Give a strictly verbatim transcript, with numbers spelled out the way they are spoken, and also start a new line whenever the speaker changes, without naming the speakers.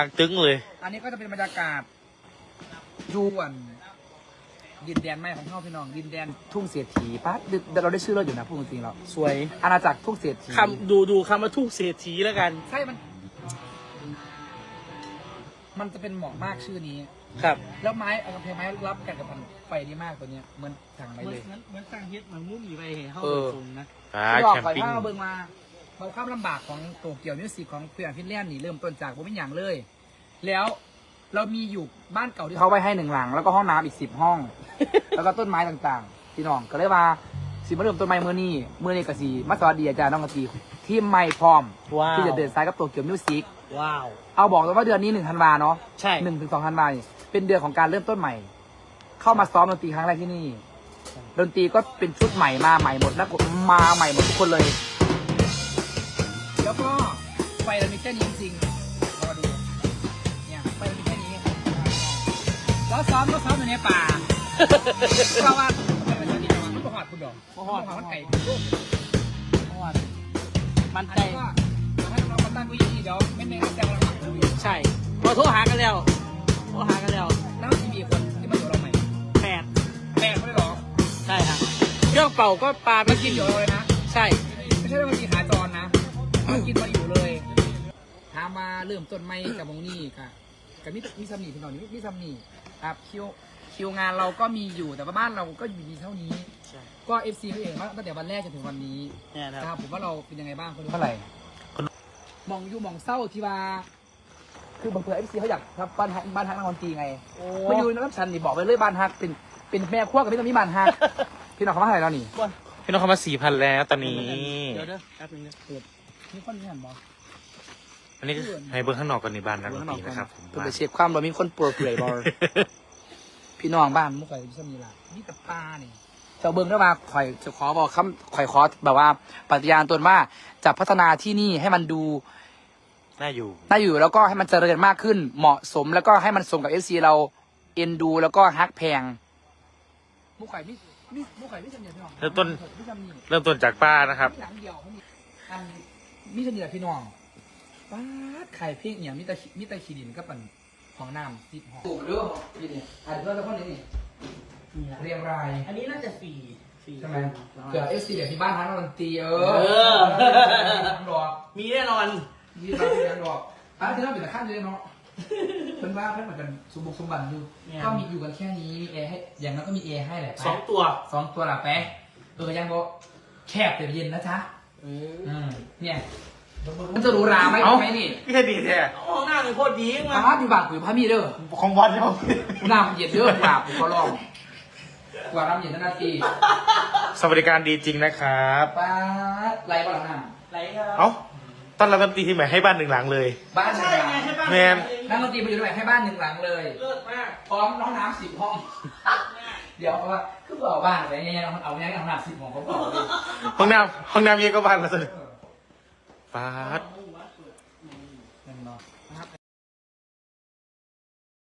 ตึ้งเลย
อันนี้ก็จะเป็นบรรยากาศยวนดินแดนใหม่ของพ่อพี่น้องดินแดนทุ่งเศรษฐีป้าเราได้ชื่อเราอยู่นะพูดจริงๆเรา
สวย
อาณาจักรทุ่งเศรษฐี
คำดูดูคำว่าทุ่งเศรษฐีแล้วกัน
ใช่มัน มันจะเป็นเหมาะมากชื่อนี้
ครับ
แล้วไม้เอากำแพงไม้รับกันกับพันไฟดีมากตัวเนี้ยเหมือนสั่งไป
เหมือน
เลย
เหมือนสร้างเฮ็ดเหมือนมุ้งอยู่ไปเห็นเขา
เออ
ตรงนะ
อ่า
ที่บอก
แคม
ก่อน
ปิ้ง
ว่าเบิ่งมาเราความลำบากของโตเกียวมิวสิกของเพื่อนฟินแลนด์นี่เริ่มต้นจากผมเป็นอย่างเลย แล้วเรามีอยู่บ้านเก่าที่เขาไว้ให้หนึ่งหลัง แล้วก็ห้องน้ำอีกสิบห้อง แล้วก็ต้นไม้ต่างๆพี่น้องก็เลยว่าสิมาเริ่มต้นไม้เมื่อนี้เมื่อนี้ก็สีมาสวัสดีอาจารย์น้องกะตีที่ไม่พร้อม
ว้าว
ที่จะเดินสายกับโตเกียวมิวสิก
ว้าว
เอาบอกเลยว่าเดือนนี้หนึ่งธันวาเนาะ
ใช่
หนึ่งถึงสองธันวาเนี่ยเป็นเดือนของการเริ่มต้นใหม่ เข้ามาซ้อมดนตรีครั้งแรกที่นี่ ดนตรีก็เป็นชุดใหม่มาใหม่หมดนะมาใหม่หมดทุกคนเลย แล้วก็ไฟเรามีแค่นี้จริงๆเรามาดูเนี่ยไฟเรามีแค่นี้แล้วซ้อมก็ซ้อมอยู่ในป่าเพราะว่าเป็นวันนี้มันก็หอดคุณดอกหอดหอดไก่
เพราะว่ามัน
อัน
ใจ
นี้ก็ให้เรามาตั้งกุยที่เดี๋ยวไม่ไม่แซงเราหนักเลย
ใช่พอโทรหากันแล้วโทรหากันแล้ว
แล้วที่มีคนที่มาอยู่เราใหม่
แปด
แม่ไม่ได้หรอ
ใช่ครับเครื่องเป่าก็ปลาไม่
มากิ
กิ
น
น
อยู่เราเลยนะ
ใช่
ไม่ใช่ว่ามากินขาจรนะมากินมาอยู่เลย ถามมาเริ่มต้นไม่กับวงนี้ค่ะกับมิมิซัมนี่พี่น้องนี่มิซัมนี่ครับคิวคิวงานเราก็มีอยู่แต่ว่าบ้านเราก็อยู่ดีเท่านี้
ใช่
ก็เอฟซีเขาเองว่าตั้งแต่วันแรกจนถึงวันนี้
เนี่ยนะ
นะ
ค
ครับ รับผมว่าเราเป็นยังไงบ้างคน
เท่าไหร่
มองอยู่มองเศร้าที่ว่าคือบางเผื่อเอฟซีเขาอยากทำบ้านฮักบ้านฮักนักดนตรีไง
โอ้
มาอยู่น้ำชันนี่บอกไปเลยบ้านฮักเป็นเป็นแม่ครัวกับพี่ต้องมีบ้านฮัก พี่น้องเขามาให้เรานี่
บอล
พี่น้องเขามาสี่พันแล้วตอนนี้
เดี๋ยวเด้อแป๊บนึงนะเปิด
มีคนที่หันบอก
อันนี้ก็ให้เบิ้งข้างนอกก่อนในบ้านนักดนตรีนะครับผม
เพื่อ
ว่า
ไปเช็คความเรามีคนปลดเปลื่อยบอล พี่น้องบ้านมุกไข่ที่มีละนี่กับปลาเนี่ยเจ้าเบิ้งได้มาข่อยจะขอบอกคำข่อยขอแบบว่าปฏิญาณตนว่าจะพัฒนาที่นี่ให้มันดู
น่าอยู่
น่าอยู่แล้วก็ให้มันเจริญมากขึ้น เหมาะสมแล้วก็ให้มันสมกับเอฟซีเราเอ็นดู แล้วก็ฮักแพงมุกไข่นี่นี่มุกไข่ไม่จำเนี่ยพี่น้อง
เริ่มต้น
ไม่จำนี่
เริ่มต้นจากป้านะครับ
หลังเดียวเขามีอันมิจำเนี่ยพี่น้องป้าดไข่เพียงอย่างมิตรมิตรขีดินก็เป็นของน้ำติดหอมถูกเรื่องนี่เนี่ยอันนี้เพื่อนแล้วคนนี้นี่
นี่ละ
เรียงราย
อันนี้น่าจะสี่สี่
ใช่ไหมเผื่อเอฟซีเดี๋ยวที่บ้านทั้งดนตรีเอ
เอ
อ
อ
ดอก
มีแน่นอน
ยี่บ้านที่ยังดอกอ่ะที่เราเป็นตะขั้นเลยเนาะเป็นว่าเพื่อนเหมือนกันสมบุกสมบันอยู่ก็มีอยู่กันแค่นี้มีแอร์ให้อย่างนั้นก็มีแอร์ให้แหละ
สองตัว
สองตัวละแป๊ะเออยังบอกแคบแต่เย็นนะจ๊ะ
เออ
อืมเนี่ยมันจะหรูหราไหม
เอ้า
ไหมนี่
พี่แค่ดีแท้
ห้องหน้าเลยโคตรดีมา
พาอยู่บางปุ๋ยพามีเด้อ
ของวัดเขา
น้ำเย็นเด้อกว่าผมก็ลองกว่าน้ำเย็นนาที
สวัสดิการดีจริงนะครับ
ป้าดไรบ้างน้
ไหลครับ
เอ้าตอนเราดนตรีที่ใหม่ให้บ้านหนึ่งหลังเลย
ำบ้านหนึ่
ใช่
งหลั
ไง
ง
ให้บ้าน
แมน
นั่งดนตรีมาอยู่ด้วยให้บ้านหนึ่งหลังเลย
เลิศมาก
พร้อมน้องน้ำสิบห้อง เดี๋ยวเอาว่าคือเอาบ้านไปเนี่ยเอาเอาเนี่ยเอาน้ำสิบห้องเขาบอกเลย
ห้องน้ำห้องน้ำเยอะก็บ้านละสิป้าด
โอ้